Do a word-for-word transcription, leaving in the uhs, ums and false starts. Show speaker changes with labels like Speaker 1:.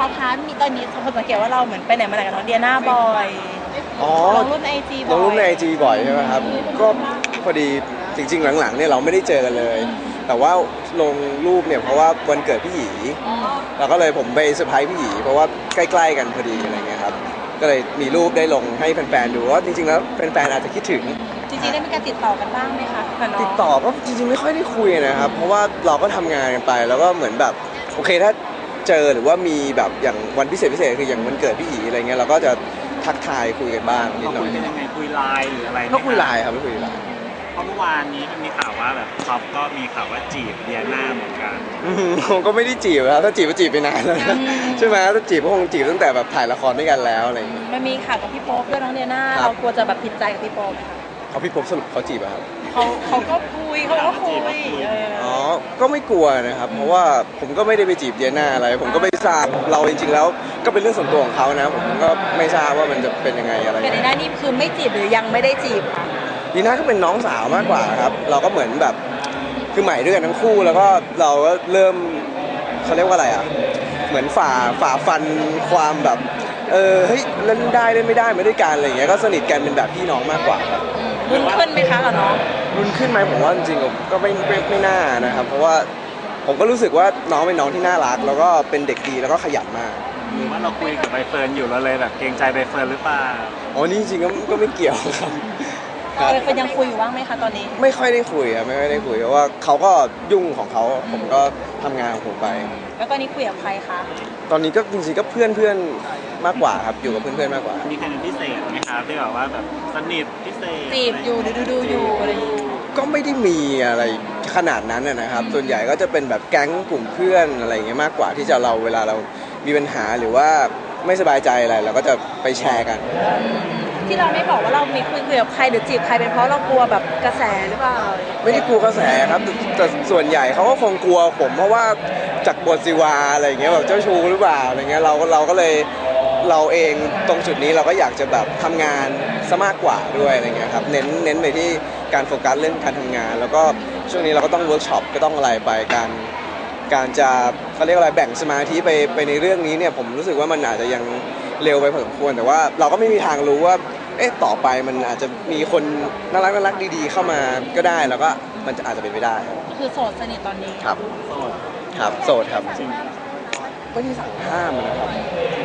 Speaker 1: อพาร์ทมีตอนนี้คนสังเกตว่าเราเหมือนไปไหนมาไหนกับน้องเดียน่าบ่อย
Speaker 2: อ๋อ
Speaker 1: ลงรูปในไอจีบ่อย
Speaker 2: ลงรูปในไอจีบ่อยใช่ไหมครับก็พอดีจริงๆหลังๆเนี่ยเราไม่ได้เจอกันเลยแต่ว่าลงรูปเนี่ยเพราะว่าวันเกิดพี่หยีเราก็เลยผมไปเซอร์ไพรส์พี่หยีเพราะว่าใกล้ๆกันพอดีอะไรเงี้ยครับก็เลยมีรูปได้ลงให้แฟนๆดูว่าจริงๆแล้วแฟนๆอาจจะคิดถึง
Speaker 1: จริงๆได้มีการติดต่อกันบ้างไหมคะ
Speaker 2: ติดต่อก็จริงๆไม่ค่อยได้คุยนะครับเพราะว่าเราก็ทำงานกันไปแล้วก็เหมือนแบบโอเคถ้าเจอหรือว่ามีแบบอย่างวันพิเศษพิเศษคืออย่างวันเกิดพี่หยีอะไรเงี้ยเราก็จะทักทายคุยกันบ้างนิดหน่อย
Speaker 3: คุยเป็นยังไงคุยไลน์หรืออะไร
Speaker 2: ก็คุยไลน์ครับไม่คุยไลน์
Speaker 3: เพราะเมื่อวานนี้มันมีข่าวว่าแบบท็อปก็มีข่าวว่าจีบเดียน่าเหมือนกัน
Speaker 2: ผมก็ไม่ได้จีบครับถ้าจีบก็จีบไปนานแล้วใช่ไหมถ้าจีบก็คงจีบตั้งแต่แบบถ่ายละครด้วยกันแล้วอะไรอย่างเงี้ย
Speaker 1: มันมีข่าวกับพี่โป๊ปด้วยน้องเดียน่าเรากลัวจะแบบผิดใจกับพี่โป๊ปไหมคะ
Speaker 2: เขาพี่โป๊ปสรุปเขาจีบอะครับ
Speaker 1: เขาเขาก็คุยเขาก็คุย
Speaker 2: อ๋อก็ไม่กลัวนะครับเพราะว่าผมก็ไม่ได้ไปจีบเดียน่าอะไรผมก็ไม่ทราบเราจริงๆแล้วก็เป็นเรื่องส่วนตัวของเขานะผมก็ไม่ทราบว่ามันจะเป็นยังไงอะไร
Speaker 1: แต่ในหน้านี่คือไม่จีบหรือยังไม่ได้จีบค่ะ
Speaker 2: ดีน่าก็เป็นน้องสาวมากกว่าครับเราก็เหมือนแบบคือใหม่ด้วยกันทั้งคู่แล้วก็เราก็เริ่มเขาเรียกว่าอะไรอ่ะเหมือนฝ่าฝ่าฟันความแบบเออเฮ้ยเล่นได้เล่นไม่ได้มาด้วยกันอะไรอย่างเงี้ยก็สนิทกันเป็นแบบพี่น้องมากกว่าครับ
Speaker 1: รุ่นขึ้นไหมคะกับน้อง
Speaker 2: รุ่นขึ้นไหมผมว่าจริงๆก็ไม่ไม่ไม่น่านะครับเพราะว่าผมก็รู้สึกว่าน้องเป็นน้องที่น่ารักแล้วก็เป็นเด็กดีแล้วก็ขยันมาก
Speaker 3: หรือว่าเราคุยกับใบเฟิร์นอยู่แล้วเลยแบบเกรงใจใบเฟิร์นหรือเปล่า
Speaker 2: อ๋อนี่จริงๆก็ก็ไม่เกี่ยวครับ
Speaker 1: ใบเฟิร์นยังคุยอยู่บ้างไหมคะตอนนี้
Speaker 2: ไม่ค่อยได้คุยครับไม่ค่อยได้คุยเพราะว่าเขาก็ยุ่งของเขาผมก็ทำงานของผมไป
Speaker 1: แล้วตอนนี้คุยกับใครคะ
Speaker 2: ตอนนี้ก็จริงๆก็เพื่อนเพื่อนมากกว่าครับอยู่กับเพื่อนๆมากกว่า
Speaker 3: มีใครเป็นพิเศษไหมครับที่แบบว่าแบบสนิทพิเศษ
Speaker 1: จีบอยู่ดูดูอยู่อะไร
Speaker 2: ก็ไม่ได้มีอะไรขนาดนั้นนะครับส่วนใหญ่ก็จะเป็นแบบแก๊งกลุ่มเพื่อนอะไรอย่างเงี้ยมากกว่าที่จะเราเวลาเรามีปัญหาหรือว่าไม่สบายใจอะไรเราก็จะไปแชร์กัน
Speaker 1: ที่เราไม่บอกว่าเรามีคุยคุยกับใครหรือจีบใครเป็นเพราะเรากลัวแบบกระแสหรือเปล่า
Speaker 2: ไม่ได้กลัวกระแสครับแต่ส่วนใหญ่เขาก็คงกลัวผมเพราะว่าจากบทศิวาอะไรอย่างเงี้ยแบบเจ้าชู้หรือเปล่าอะไรเงี้ยเราเราก็เลยเราเองตรงจุดนี้เราก็อยากจะแบบทำงานซะมากกว่าด้วยอะไรเงี้ยครับเน้นเน้นไปที่การโฟกัสเรื่องการทำงานแล้วก็ช่วงนี้เราก็ต้องเวิร์กช็อปก็ต้องอะไรไปการการจะเขาเรียกอะไรแบ่งสมาธิไปไปในเรื่องนี้เนี่ยผมรู้สึกว่ามันอาจจะยังเร็วไปพอสมควรแต่ว่าเราก็ไม่มีทางรู้ว่าเอ๊ะต่อไปมันอาจจะมีคนน่ารักน่ารักดีๆเข้ามาก็ได้แล้วก็มันจะอาจจะเป็นไปได้
Speaker 1: คือโสดสนิทตอนนี้
Speaker 2: ครับ
Speaker 3: โสด
Speaker 2: ครับโสดครับไม่ได้สั่งห้ามนะครับ